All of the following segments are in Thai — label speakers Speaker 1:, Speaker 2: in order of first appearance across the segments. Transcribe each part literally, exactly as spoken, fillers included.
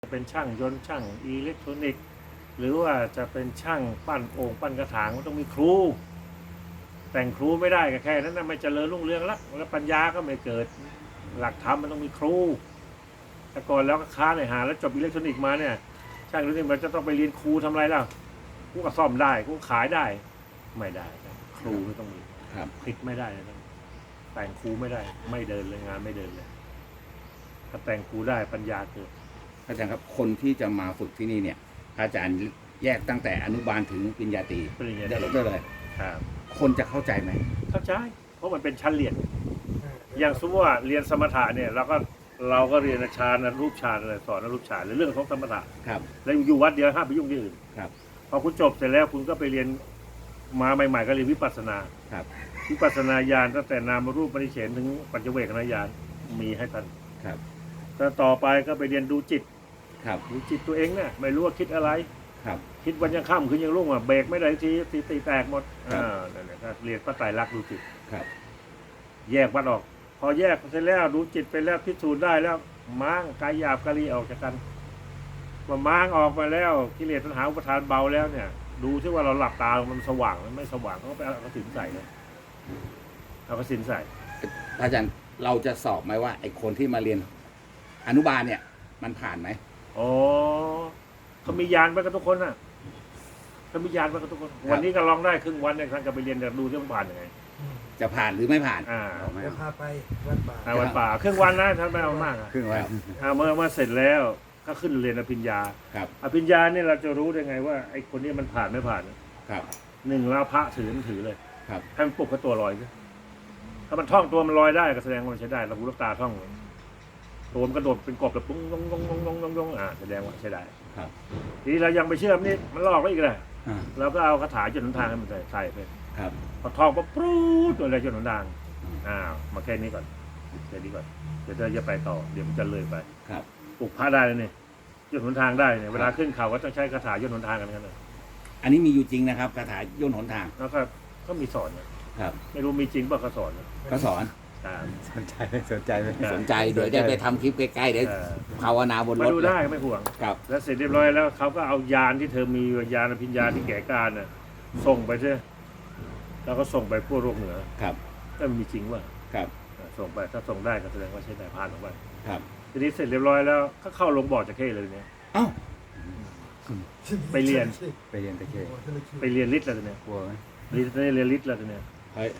Speaker 1: เป็นช่างยนต์ช่างอิเล็กทรอนิกส์หรือว่าจะเป็นช่างปั้นโอ่งปั้นกระถางมันต้องมีครูแต่งครูไม่ได้ก็แค่นั้นนะไม่เจริญรุ่งเรืองละแล้วปัญญาก็ไม่เกิดหลักธรรมมันต้องมีครูแต่ก่อนแล้วก็ค้าในหาแล้วจบอิเล็กทรอนิกส์มาเนี่ยช่างอิเล็กทรอนิกส์มันจะต้องไปเรียนครูทำอะไรล่ะกูก็ซ่อมได้กูขายได้ไม่ได้นะครูไม่ต้องมีผิดไม่ได้นะแต่งครูไม่ได้ไม่เดินเลยงานไม่เดินเลยถ้าแต่งครูได้ปัญญาเกิด
Speaker 2: อาจารย์ครับคนที่จะมาฝึกที่นี่เนี่ยอาจารย์แยกตั้งแต่อนุบาลถึงปริญญาตรี
Speaker 1: ปริญญาตรี
Speaker 2: ได้เลย
Speaker 1: ครับ
Speaker 2: คนจะเข้าใจไหม
Speaker 1: เข้าใจเพราะมันเป็นชั้นเรียนอย่างสมมติว่าเรียนสมถะเนี่ยเราก็เราก็เรียนฌานรูปฌานอะไรสอนรูปฌานเรื่องของสมถะ
Speaker 2: ครับ
Speaker 1: แล้วอยู่วัดเดียวห้ามไปยุ่งที่อื่น
Speaker 2: ครับ
Speaker 1: พอคุณจบเสร็จแล้วคุณก็ไปเรียนมาใหม่ๆก็เรียนวิปัสสนา
Speaker 2: ครับ
Speaker 1: วิปัสสนาญาณตั้งแต่นามรูปปริเฉณถึงปัจเจเวคขณญาณมีให้ท่าน
Speaker 2: ครับ
Speaker 1: แต่ต่อไปก็ไปเรียนดูจิต
Speaker 2: ครับ
Speaker 1: ดูจิตตัวเองเนี่ยไม่รู้ว่าคิดอะไร
Speaker 2: ครับ
Speaker 1: คิดวันยังค่ำคืนยังรุ่งอ่ะเบรกไม่ได้ทีตีตีแตกหมดอ่านั่นแหละก็เรียนพระไตรลักษณ์ดูจิต
Speaker 2: ครับ
Speaker 1: แยกวัดออกพอแยกเสร็จแล้วดูจิตไปแล้วพิสูจน์ได้แล้วม้างกายหยาบกายละเอียดออกจากกันว่าม้างออกมาแล้วกิเลสตัณหาอุปทานเบาแล้วเนี่ยดูที่ว่าเราหลับตามันสว่างมันไม่สว่างเขาไปเอากระสินใส่เลยเอากระสินใส่
Speaker 2: อาจารย์เราจะสอบไหมว่าไอ้คนที่มาเรียนอนุบาลเนี่ยมันผ่านไหม
Speaker 1: อ๋อเขามียานไว้กับทุกคนน่ะเขามียานไว้กับทุกคนวันนี้ก็ลองได้ครึ่งวันเนี่ยท่านก็ไปเรียนแต่ดูที่มันผ่านยังไง
Speaker 2: จะผ่านหรือไม่ผ่าน
Speaker 1: อ่า
Speaker 3: จะพาไปวัดป่า
Speaker 1: วัดป่าครึ่งวันนะท่านไม่เอามาก
Speaker 2: ครึ่งวัน
Speaker 1: เมื่อเมื่อเสร็จแล้วก็ขึ้นเรียนอภิญญา
Speaker 2: ครับ
Speaker 1: อภิญญาเนี่ยเราจะรู้ได้ไงว่าไอ้คนนี้มันผ่านไม่ผ่าน
Speaker 2: ครับ
Speaker 1: หนึ่งแล้วพระถือมันถือเลย
Speaker 2: ครับ
Speaker 1: ให้มันปลุกกับตัวลอยถ้ามันท่องตัวมันลอยได้ก็แสดงว่ามันใช้ได้เราหูลูกตาท่องตัวมันกระโดดเป็นกบแบบปุ้งยงยงยงยงยงยงอ่าแสดงว่าใช้ได้
Speaker 2: ครับ
Speaker 1: ทีนี้เรายังไปเชื่อมนี่มันหลอกเราอีกเลยเราก็เอาคาถาจนหนทางให้มันใส่ใส่ไป
Speaker 2: ครับ
Speaker 1: พอท่องปุ๊บปรู๊ดตัวอะไรจนหนทางอ้าวมาแค่นี้ก่อนแค่นี้ก่อนเดี๋ยวจะไปต่อเดี๋ยวมันจะเลยไป
Speaker 2: ครับ
Speaker 1: ปลุกพระได้เลยเนี่ยยนหนทางได้เนี่ยเวลาขึ้นเขาก็ต้องใช้คาถายนหนทางกันกันเลย
Speaker 2: อันนี้มีอยู่จริงนะครับคาถายนหนทาง
Speaker 1: แล้วก็ก็มีสอนนะครับไม่รู้มีจริงป่ะเขาสอน
Speaker 2: ก็สอน
Speaker 3: สนใจไหมสนใจไหม
Speaker 2: สนใจเดี๋ยวจะไปทำคลิปใกล้ๆเดี๋ยวภาวนาบนรถ
Speaker 1: มาดูได้ไม่ห่วง
Speaker 2: ครับ
Speaker 1: แล้วเสร็จเรียบร้อยแล้วเขาก็เอายานที่เธอมียานอภิญญาที่แก่กล้าน่ะส่งไปใช่แล้วก็ส่งไปพวกโลกเหนือ
Speaker 2: ครับ
Speaker 1: ถ้ามันมีจริงว่า
Speaker 2: ครับ
Speaker 1: ส่งไปถ้าส่งได้ก็แสดงว่าใช้ได้ผ่านออกไป
Speaker 2: ครับ
Speaker 1: ทีนี้เสร็จเรียบร้อยแล้วก็เข้าลงบ่อจะเข้เลยเนี่ย
Speaker 2: เอ้า
Speaker 1: ไปเรียน
Speaker 3: ไปเรียนตะเค
Speaker 1: ไปเรียนฤทธิ์แล้วเนี่ย
Speaker 3: กลัวไหม
Speaker 1: เรียนเรียนฤทธิ์แล้วเนี่ย
Speaker 2: เฮ้ย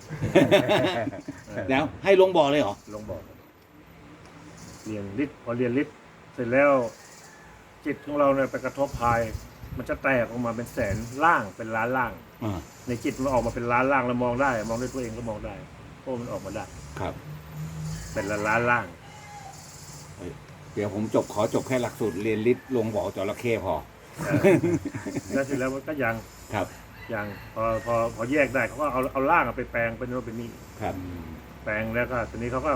Speaker 2: แล้วให้ลงบ่อเลยเหรอ
Speaker 1: ลงบ่อเรียนฤทธิ์พอเรียนฤทธิ์เสร็จแล้วจิตของเราเนี่ยไปกระทบภายมันจะแตกออกมาเป็นแสนล่างเป็นล้านล่างในจิตมันออกมาเป็นล้านล่างแล้วมองได้มองด้วยตัวเองก็มองได้เพราะมันออกมาได้
Speaker 2: ครับ
Speaker 1: เป็นล้านล้านล่าง
Speaker 2: เดี๋ยวผมจบขอจบแค่หลักสูตรเรียนฤทธิ์ลงบ่อจระเข้พอ
Speaker 1: แล้วเสร็จแล้วก็ยัง
Speaker 2: ครับ
Speaker 1: ยังพอพอพอแยกได้เขาก็เอาเอาล่างไปแปลงเป็นโน่นเป็นนี่
Speaker 2: ครับ
Speaker 1: แปลงแล้วก็ทีนี้เขาก็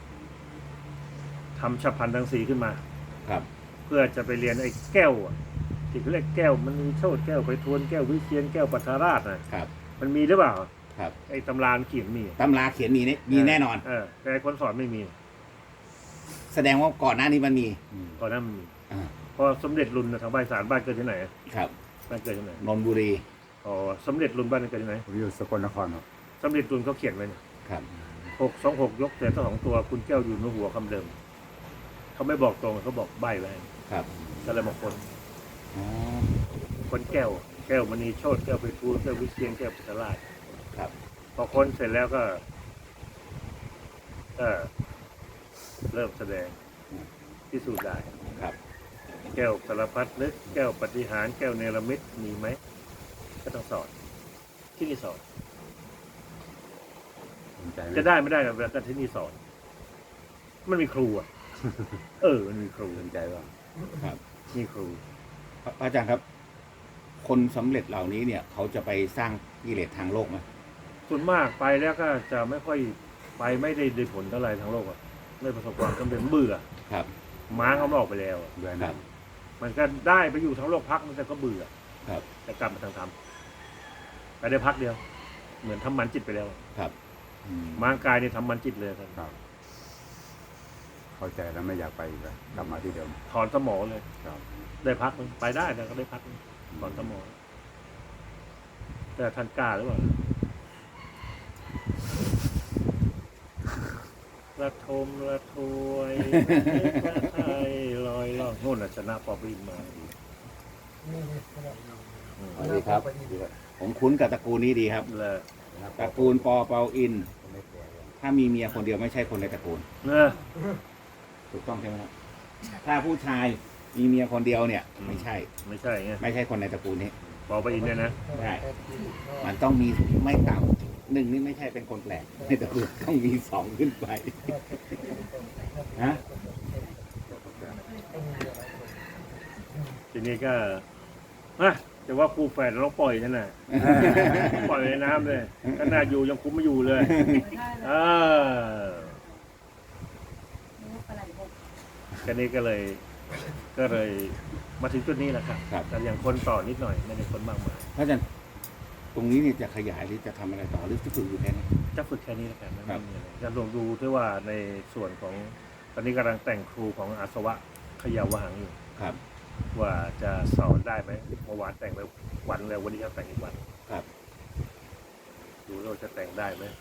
Speaker 1: ทำฉับพลันทั้งสี่ขึ้นมา
Speaker 2: ครับ
Speaker 1: เพื่อจะไปเรียนไอ้แก้วที่เขาเรียกแก้วมันมีโชติแก้วไปทวนแก้ววิเชียนแก้วปัทราราชนะครับมันมีหรือเปล่า
Speaker 2: ครับ
Speaker 1: ไอ้ตำราเขียนมี
Speaker 2: ตำราเขียนมีนี่มีแน่นอน
Speaker 1: เออแต่คนสอนไม่มี
Speaker 2: แสดงว่าก่อนหน้านี้มันมี
Speaker 1: ก่อนหน้ามันมีพอสมเด็จรุ่นทางใบสารบ้านเกิดที่ไหน
Speaker 2: ครับ
Speaker 1: บ้านเกิดที่ไหน
Speaker 2: นนทบุรี
Speaker 1: อ๋อสมเด็จรุ่นบ้านเกิดที่ไหน
Speaker 3: ผมอยู่สกลนครครับ
Speaker 1: สมเด็จรุ่นเขาเขียนไว้เนี่ย
Speaker 2: ครับ
Speaker 1: หกสองหกยกแต่สองตัวคุณแก้วอยู่ในหัวคำเดิมเขาไม่บอกตรงเขาบอกใบไว้
Speaker 2: ครับ
Speaker 1: ก็เลยมาคนคนแก้วแก้วมณีโชติแก้วไปทูลแก้ววิเชียนแก้วปัทราช
Speaker 2: ครับ
Speaker 1: พอคนเสร็จแล้วก็ก็เริ่มแสดงพิสูจน์ได้
Speaker 2: ครับ
Speaker 1: แก้วสารพัดนึกแก้วปฏิหารแก้วเนรมิตมีไหมก็ต้องสอนที่นี่สอนจะได้ไม่ได้กับการที่นี่สอนมันมีครูอ่ะเออมันมีครู
Speaker 3: สนใจว่า
Speaker 2: ครับ
Speaker 1: มีครู
Speaker 2: อาจารย์ครับคนสำเร็จเหล่านี้เนี่ยเขาจะไปสร้างกิเลสทางโลกไหม
Speaker 1: ส่วนมากไปแล้วก็จะไม่ค่อยไปไม่ได้ได้ผลเท่าไหร่ทางโลกอ่ะไม่ประสบความสำเร็จเบื่อ
Speaker 2: ครับ
Speaker 1: ม้าเขาไม่ออกไปแล้ว
Speaker 2: เบื่อครับ
Speaker 1: มันก็ได้ไปอยู่ทั้งโลกพักมันแต่ก็เบื่อ
Speaker 2: ครับ
Speaker 1: แต่กลับมาทางธรรมไปได้พักเดียวเหมือนทำมันจิตไปแล้ว
Speaker 2: ครับ
Speaker 1: ม้ากายเนี่ยทำมันจิตเลยครับ
Speaker 3: เข้าใจแล้วไม่อยากไปอีกแล้วกลับมาที่เดิม
Speaker 1: ถอนสมอเลย
Speaker 3: ครับ
Speaker 1: ได้พักนึงไปได้แต่ก็ได้พักนึงถอนสมอแต่ท่านกล้าหรือเปล่าระทมระทวยระไทยลอยล่องโน่นน่ะชนะปอบรินมาอืม
Speaker 2: สวัสดีครับ ผมคุ้นกับตระกูลนี้ดีครับ
Speaker 1: เลย
Speaker 2: ตระกูลปอเปาอิน ถ้ามีเมียคนเดียวไม่ใช่คนในตระกูล
Speaker 1: เนอะ
Speaker 2: ถูกต้องใช่ไหมครับ ถ้าผู้ชายมีเมียคนเดียวเนี่ย ไม่ใช่
Speaker 1: ไม่ใช่ไง
Speaker 2: ไม่ใช่คนในตระกูลนี้
Speaker 1: ปอบรินเนี่ยนะ
Speaker 2: ใช่ มันต้องมีไม่ต่ำหนึ่งนี่ไม่ใช่เป็นคนแปลกในตระกูลต้องมีสองขึ้นไปฮะ
Speaker 1: ทีนี้ก็ฮะแต่ว่าคู่แฝดเราปล่อยนั่นน่ะ ปล่อยในน้ำเลยขนาดอยู่ยังคุมไม่อยู่เลยเออแค่นี้ก็เลย ก็เลยมาถึงจุดนี้แหละครับ
Speaker 2: ครับ
Speaker 1: แต่อย่างคนต่อนิดหน่อยไม่ได้คนมากมาย
Speaker 2: พระอาจารย์ตรงนี้เนี่ยจะขยายหรือจะทำอะไรต่อหรือจะฝึกอยู่แค่นี้
Speaker 1: จะฝึกแค่นี้แล้วกันไม่
Speaker 2: ครับ
Speaker 1: มีอะไรจะลองดูที่ว่าในส่วนของตอนนี้กำลังแต่งครูของอาสวะเขยาวหังอยู่
Speaker 2: ครับ
Speaker 1: ว่าจะสอนได้ไหมเมื่อวานแต่งไปวันแล้ววันนี้จะแต่งอีกวัน
Speaker 2: ครับ
Speaker 1: ดูว่าจะแต่งได้ไหม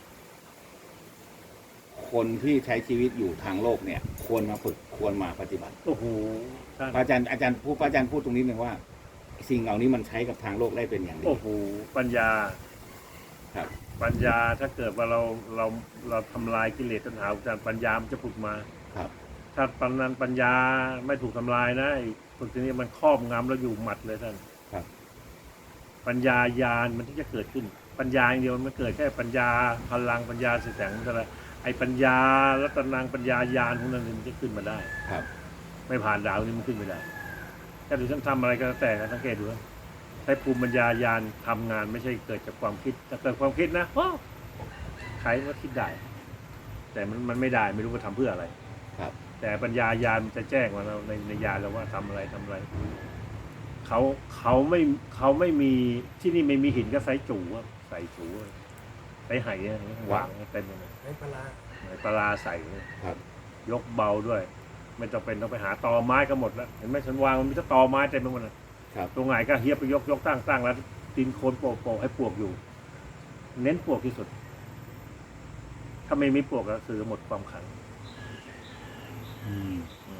Speaker 2: คนที่ใช้ชีวิตอยู่ทางโลกเนี่ย ควรมาฝึกควรมาปฏิบัติ
Speaker 1: โอ้โหท่าน
Speaker 2: พระอาจารย์อาจารย์พูดพระอาจารย์พูดตรงนี้หนึ่งว่า สิ่งเหล่านี้มันใช้กับทางโลกได้เป็นอย่างดี
Speaker 1: โอ้โหปัญญา
Speaker 2: ครับ
Speaker 1: ปัญญาถ้าเกิดว่าเราเราเราทำลายกิเลสตัณหาอาจารย์ปัญญามันจะผุดมา
Speaker 2: ครับ
Speaker 1: ถ้าปัญญาปัญญาไม่ถูกทำลายนะไอ้พวกนี้มันครอบงำแล้วอยู่หมัดเลยท่าน
Speaker 2: ครับ
Speaker 1: ปัญญาญาณมันที่จะเกิดขึ้น ปัญญาอย่างเดียวมันเกิดแค่ปัญญาพลังปัญญาแสงมันอะไรไอ้ปัญญารัตนังปัญญาญาณพวกนั้นมันจะขึ้นมาได้
Speaker 2: ครับ
Speaker 1: ไม่ผ่านดาวนี้มันขึ้นไม่ได้ถ้าดูฉันทำอะไรก็แล้วแต่นะสังเกตดูนะใช้ภูมิปัญญาญาณทำงานไม่ใช่เกิดจากความคิดถ้าเกิดความคิดนะโอ้ใครก็คิดได้ แต่มันมันไม่ได้ไม่รู้ว่าทำเพื่ออะไร
Speaker 2: ครับ
Speaker 1: แต่ปัญญาญาณมันจะแจ้งมาเราในในญาณเราว่าทำอะไรทำอะไรเขาเขาไม่เขาไม่มีที่นี่ไม่มีหินก็ใส่จูอะใส่จูอะใส่ไหอะวางเต็มเลย
Speaker 3: ไอ้ปลา
Speaker 1: ไหปลาใส่เลย
Speaker 2: ครับ
Speaker 1: ยกเบาด้วย ไม่จำเป็นต้องไปหาตอไม้ก็หมดแล้วเห็นไหมฉันวางมันมีแต่ตอไม้เต็มไปหมดเลย
Speaker 2: ครับ
Speaker 1: ตรงไหนก็เฮียบไปยกยกตั้งตั้งแล้วดินโคลนโปะโปะให้ปลวกอยู่ เน้นปลวกที่สุด ถ้าไม่มีปลวกก็คือหมดความขลัง
Speaker 2: อืม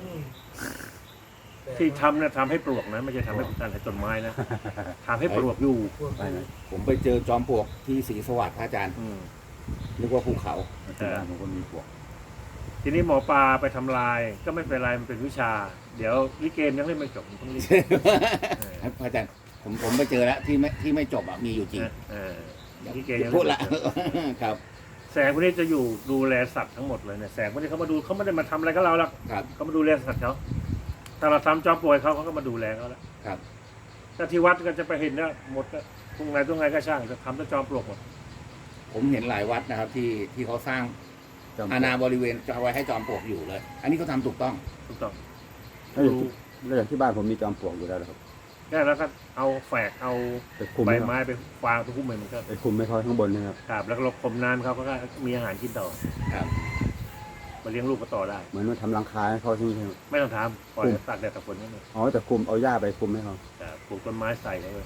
Speaker 1: ที่ทำนะทำให้ปลวกนะไม่ใช่ทำให้การให้ต้นไม้นะทำให้ปลวกอยู่
Speaker 3: ไปนะ
Speaker 2: ผมไปเจอจอมปลวกที่ศรีสวัสดิ์พระอาจารย์
Speaker 1: อืม
Speaker 2: นึกว่าภูเขา
Speaker 3: ที่บ้านผมก็มีปลวก
Speaker 1: ทีนี้หมอปลาไปทำลาย ก็ไม่เป็นไรมันเป็นวิชา เดี๋ยวลิเกมยังเล่นไม่จบมันต้องรีบ
Speaker 2: พระอาจารย์ผมผมไปเจอแล้วที่ไม่ที่ไม่จบอ่ะมีอยู่จริง
Speaker 1: เออ
Speaker 2: อย่า
Speaker 1: ลิเกยัง
Speaker 2: พู
Speaker 1: เล่
Speaker 2: ด
Speaker 1: น
Speaker 2: ละ
Speaker 1: ไม่จบ
Speaker 2: ครับ
Speaker 1: แสงพวกนี้จะอยู่ดูแลสัตว์ทั้งหมดเลยเนี่ยแสงพวกนี้เขามาดูเขาไม่ได้มาทำอะไรกับเราหรอก
Speaker 2: ครับ
Speaker 1: เขามาดูแลสัตว์เขาถ้าเราทำจอมป่วยเขาเขาก็มาดูแลเขาแล้ว
Speaker 2: ครับ
Speaker 1: ถ้าที่วัดก็จะไปเห็นนะหมดนะตรงไหนตรงไหนก็ช่างจะทำแต่จอมปลวกหมด
Speaker 2: ผมเห็นหลายวัดนะครับ ที่ที่เขาสร้าง
Speaker 3: จอมปล
Speaker 2: อาว
Speaker 3: ก
Speaker 2: ณาบริเวณจะเอาไว้ให้จอมปลวกอยู่เลย อันนี้เขาทำถูกต้อง
Speaker 1: ถูกต้อง
Speaker 3: แล้วอย่างที่แล้วอย่างที่บ้านผมมีจอมปลวกอยู่แล้วนะครับ
Speaker 1: แค่แล้วก็เอาแฝกเอา
Speaker 3: ไปคุม
Speaker 1: ใบ
Speaker 3: ให้เขา
Speaker 1: ไม้ไปฟางไปคุ้มมันมันก็
Speaker 3: ไปคุมให้เขาข้างบนนะครับ
Speaker 1: ครับแล้วก็เราคมน้ำเขาเขาก็มีอาหารกินต่อ
Speaker 2: ครับ
Speaker 1: มาเลี้ยงลูกก็ต่อได้
Speaker 3: เหมือนว่าทำรังคาให้เขาใช่ไหมครับ
Speaker 1: ไม่ต้องทำปล่อยให้ตากแดดตากฝนนั่นเอง
Speaker 3: อ๋อแต่คุมเอาหญ้าไปคุมให้เขา
Speaker 1: แต่ปลูกต้นไม้ใส่เขาเลย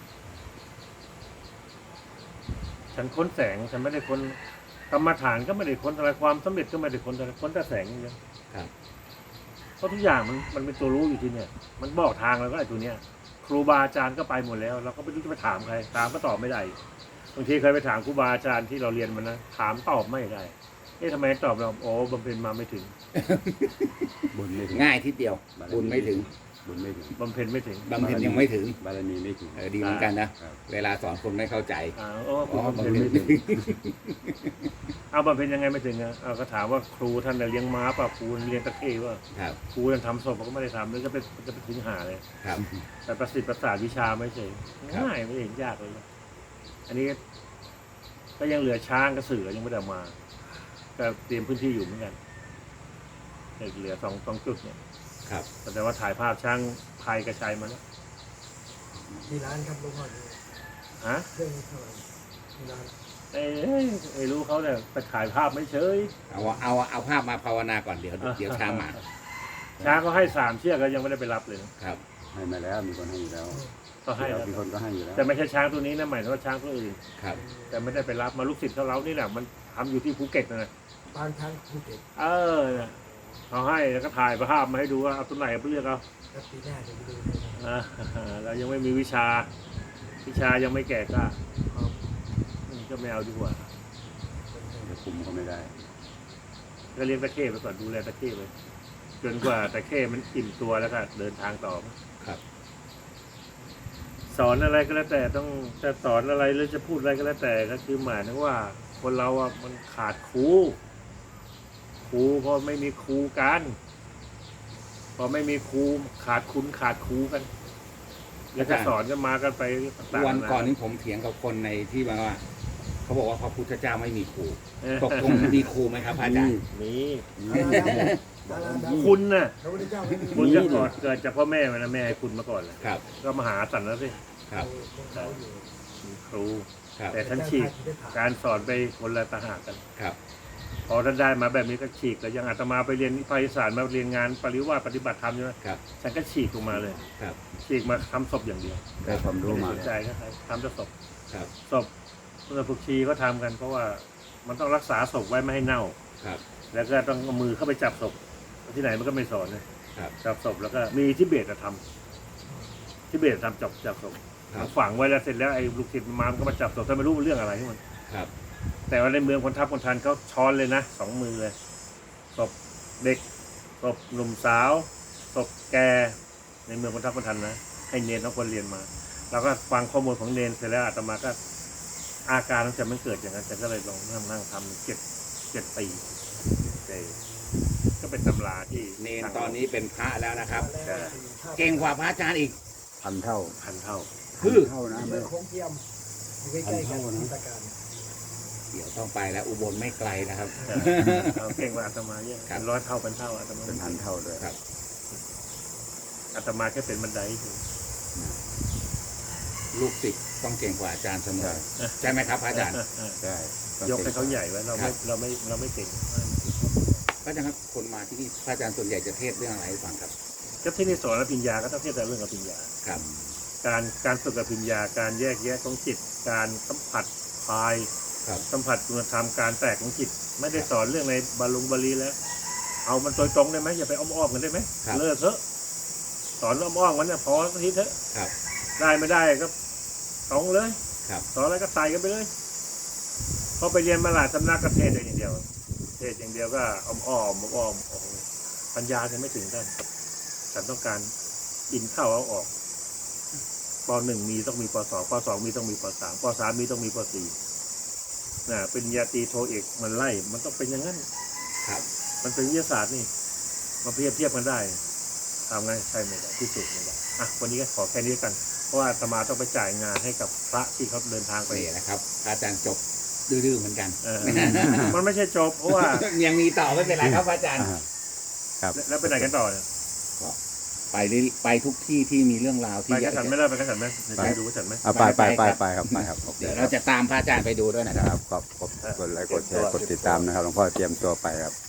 Speaker 1: ฉันค้นแสงฉันไม่ได้ค้นกรรมฐานก็ไม่ได้ค้นอะไรความสำเร็จก็ไม่ได้ค้นอะไรค้นแต่แสงอย่างเดียว
Speaker 2: ครับ
Speaker 1: เพราะทุกอย่างมันมันเป็นตัวรู้อยู่ที่เนี่ยมันบอกทางแล้วก็ไอ้ตัวเนี้ย ครูบาอาจารย์ก็ไปหมดแล้ว เราก็ไม่รู้จะไปถามใครถามก็ตอบไม่ได้บางทีเคยไปถามครูบาอาจารย์ที่เราเรียนมานะถามตอบไม่ได้เอ๊ะทำไมตอบเราโอ้บำเพ็ญมาไม่ถึง
Speaker 3: บุญไม่ถึง
Speaker 2: ง่ายทีเดียว บุญไม่ถึง
Speaker 3: บุญไม่ถึง
Speaker 1: บำเพ็ญไม่ถึง
Speaker 2: บำเพ็ญยังไม่ถึง
Speaker 3: บารมีไม่ถึง
Speaker 2: เออดีเหมือนกันนะ
Speaker 3: ครับ
Speaker 2: เวลาสอนคนไม่เข้าใจ
Speaker 1: อ่าโอ้ค
Speaker 2: อ๋
Speaker 1: รู
Speaker 2: อบ
Speaker 1: ำ
Speaker 2: บำ
Speaker 1: เพ็ญ
Speaker 2: เพ็ญ
Speaker 1: ไม่
Speaker 2: ไม่
Speaker 1: ถึง
Speaker 2: ถึง
Speaker 1: เอาบำเพ็ญยังไงไม่ถึงอ่ะเอาก็ถามว่าครูท่านน่ะเลี้ยงม้าป่ะครูเลี้ยงตะเข้ว่า
Speaker 2: ครับ
Speaker 1: ครูท่านทำศพเขาก็ไม่ได้ทำแล้วจะไปจะไปถึงหาเลย
Speaker 2: ครับ
Speaker 1: แต่ประสิทธิ์ประสาทวิชาไม่ใช่
Speaker 2: ครับ
Speaker 1: ง่ายไม่เห็นยากเลยอันนี้ก็ยังเหลือช้างกับเสือยังไม่ได้มาก็เตรียมพื้นที่อยู่เหมือนกันเหลือสองสองจุดเนี่ย
Speaker 2: ครับ
Speaker 1: แต่ว่าถ่ายภาพช่างไทยกระชัยมาแล้ว
Speaker 4: กี่ล้านครับลุงพ่อดู
Speaker 1: ฮะ
Speaker 4: เรื่องนี้เท่าไหร่กี่ล้าน
Speaker 1: จไอ้ไอ้รู้เขาเนี่ยไปถ่ายภาพไม่เฉย
Speaker 2: เอาเอาเอาภาพมาภาวนาก่อนเดี๋ยวเดี๋ยวช้างมา
Speaker 1: ช้างก็ให้สามเชือกก็ยังไม่ได้ไปรับเลยนะครับ
Speaker 3: ให้มาแล้วมีคนให้อยู่แล้ว
Speaker 1: ก็ให้แล้ว
Speaker 3: มีคนก็ให้อยู่แล้ว
Speaker 1: แต่ไม่ใช่ช้างตัวนี้นะหมายถึงว่าช้างตัวอื่น
Speaker 2: ครับ
Speaker 1: แต่ไม่ได้ไปรับมาลูกศิษย์เขาเรานี่แหละมันทำอยู่ที่ภูเก็ตนะ
Speaker 4: บางครั้งภูเก็ต
Speaker 1: เออเนี่ยเขาให้แล้วก็ถ่ายภาพมาให้ดูว่าเอาตัวไหนไปเลือกเอา
Speaker 4: แล้วปีหน้าจะไปดูให้นะ
Speaker 1: อ่าเรายังไม่มีวิชา วิชายังไม่แก่กล้า
Speaker 4: ครับ
Speaker 1: อืมก็ไม่เอาดีกว่า
Speaker 3: จะคุมก็ไม่ได้
Speaker 1: ก็เลี้ยงตะเข้ไปก่อนดูแลตะเข้ไปจนกว่าตะเข้มันอิ่มตัวแล้วก็เดินทางต่อ
Speaker 2: ครับ
Speaker 1: สอนอะไรก็แล้วแต่ต้องจะสอนอะไรหรือจะพูดอะไรก็แล้วแต่ก็คือหมายถึงว่า คนเราอ่ะมันขาดครูครูพอไม่มีครูกันพอไม่มีครูขาดคุณขาดครูกัน แล้วจะสอนกันมากันไปต่างๆ
Speaker 2: วันก่อน
Speaker 1: นา
Speaker 2: นี้ผมเถียงกับคนในที่มาว่าเขาบอกว่าพระพุทธเจ้าไม่มีครู
Speaker 1: นา
Speaker 2: ตกลงมีครูไหมครับพระอาจารย์
Speaker 1: มี
Speaker 3: นี่
Speaker 4: ดาราดารา
Speaker 1: คุณน่ะ
Speaker 4: พระพุทธเจ้าไม่มี
Speaker 1: คุณจะก่อนเกิดจากพ่อแม่มันนะแม่ให้คุณมาก่อนเลย
Speaker 2: ครับ
Speaker 1: ก็มาหาสันแล้วสิ
Speaker 2: ครับ
Speaker 4: ของเขาอยู่
Speaker 1: มีครู
Speaker 2: ครับ
Speaker 1: แต่ท่านฉีกการสอนไปคนละต่างหากกัน
Speaker 2: ครับ
Speaker 1: พอท่านได้มาแบบนี้ก็ฉีกแต่ยังอาตมาไปเรียนภาคอีสานมาเรียนงานปริวาสปฏิบัติธรรมใช่ไหม
Speaker 2: ครับ
Speaker 1: ฉันก็ฉีกออกมาเลย
Speaker 2: ครับ
Speaker 1: ฉีกมาทำศพอย่างเดียว
Speaker 3: ได้ความรู้
Speaker 1: ไม่
Speaker 3: มา
Speaker 1: ได้สนใจก็ทำแต่ศพ
Speaker 2: ครับ
Speaker 1: ศพเมื่อพวกชีก็ทำกัน เพราะว่ามันต้องรักษาศพไว้ไม่ให้เน่า
Speaker 2: ครับ
Speaker 1: แล้วก็ต้องเอามือเข้าไปจับศพที่ไหนมันก็ไม่สอนนะครับ จับศพแล้วก็มีทิเบตอะทำทิเบตทำจับจับศพ
Speaker 2: ครับ
Speaker 1: ฝังไว้แล้วเสร็จแล้วไอ้ลูกศิษย์มันมามันก็มาจับศพแต่ไม่รู้เรื่องอะไรที่มัน
Speaker 2: ครับ
Speaker 1: แต่ว่าในเมืองคนทัพคนทันเขาช้อนเลยนะสองมือเลยศพเด็กศพหนุ่มสาวศพแกในเมืองคนทัพคนทันนะให้เนรทั้งคนเรียนมาเราก็ฟังข้อมูลของเนรเสร็จแล้วอาตมาก็อาการมันจะมันเกิดอย่างนั้นแต่ก็เลยลองนั่งนั่งทำเจ็ดเจ็ดปีเจ็ดก็เป็นตำราที่
Speaker 2: เนนตอนนี้เป็นพระแล้วนะครับ
Speaker 4: แล้ว
Speaker 2: เก่งกว่าพระอาจารย์อีก
Speaker 3: พันเท่า
Speaker 1: พันเท่า
Speaker 2: คือ
Speaker 3: เท่านะ
Speaker 4: เมื
Speaker 3: ไม่
Speaker 4: องโค้งเทียมอยู่ใกล้ๆกันที่ตะการ
Speaker 2: เดี๋ยวต้องไปแล้วอุบลไม่ไกลนะครับ
Speaker 1: เราเก่งกว่าอาตมาเยอะ
Speaker 2: ครับ
Speaker 1: เป็นร้อยเท่าพันเท่าอาตมา
Speaker 3: เป็นพันเท่าด้วย
Speaker 2: ครับ
Speaker 1: อาตมาแค่เป็นบันไดเฉย
Speaker 2: ลูกศิษย์ต้องเก่งกว่าอาจารย์เสมอใช่ไหมครับพระอาจารย์
Speaker 3: ใช่ต้อง
Speaker 1: ยกให้เขาใหญ่ไว้เรา
Speaker 2: ครั
Speaker 1: ไม่
Speaker 2: บ
Speaker 1: เราไม่เราไม่เก่ง
Speaker 2: พระอาจารย์ครับคนมาที่นี่พระอาจารย์ส่วนใหญ่จะเทศน์เรื่องอะไรให้ฟังครับ
Speaker 1: ก็ที่นี่สอนอภิญญาก็ต้องเทียบแต่เรื่องอภิญญา
Speaker 2: ครับ
Speaker 1: การการฝึกอภิญญาการแยกแยะของจิต การสัมผัสภาย
Speaker 2: ครับ
Speaker 1: สัมผัสคุณธรรมการแตกของจิต ไม่ได้สอนเรื่องในบาลุงบาลีแล้ว เอามันโดยตรงได้ไหมอย่าไปอ้อมๆกันได้ไหม
Speaker 2: ครับ
Speaker 1: เลิกเถอะสอนอ้อมๆกันเนี่ยพอสักทีเถอะ
Speaker 2: ครับ
Speaker 1: ได้ไม่ได้ก็ตรงเลย
Speaker 2: ครับ
Speaker 1: สอนอะไรก็ใส่กันไปเลยพอไปเรียนมาหลายสำนักก็เทศอย่างเดียว เทศอย่างเดียวก็อ้อมอ้อมอ้อมๆโอ้โหปัญญาจะไม่ถึงกันฉันต้องการอินเข้าเอาออกปหนึ่งมีต้องมีปสองปสองมีต้องมีปสามปสามมีต้องมีปสี่น่ะเป็นญาตรีโทเอกมันไล่ มันต้องเป็นอย่างนั้น
Speaker 2: ครับ
Speaker 1: มันเป็นวิทยาศาสตร์นี่มาเทียบเทียบกันได้ทำไงใช่ไม่ได้พิสูจน์ไม่ได้อ่ะวันนี้ก็ขอแค่นี้กัน เพราะว่าอาตมาต้องไปจ่ายงานให้กับพระที่เขาเดินทางไป
Speaker 2: นี่นะครับพระอาจารย์จบดื้อๆเหมือนกัน
Speaker 1: เออ มันไม่ใช่จบเพราะว่า
Speaker 2: ยังมีต่อไม่เป็นไรครับพระอาจารย์
Speaker 3: อ่า
Speaker 1: แล้วไปไหนกันต่อเนี่ย
Speaker 2: ไปเรื่อยไปทุกที่ที่มีเรื่องราว
Speaker 1: ไป
Speaker 2: ที่
Speaker 1: กระฉันไม่ได้ไปกระฉันไหมไปดูกระฉันไหม
Speaker 3: เอาไปไปไปไปครับไปครับโอเค
Speaker 2: เดี๋ยว
Speaker 3: ค
Speaker 2: เรา
Speaker 3: รับ
Speaker 2: จะตามพระอาจารย์ไปดูด้วยนะ
Speaker 3: นะครับขอบขอบกดไลค์กดแชร์กดติดตามนะครับหลวงพ่อเตรียมตัวไปครับ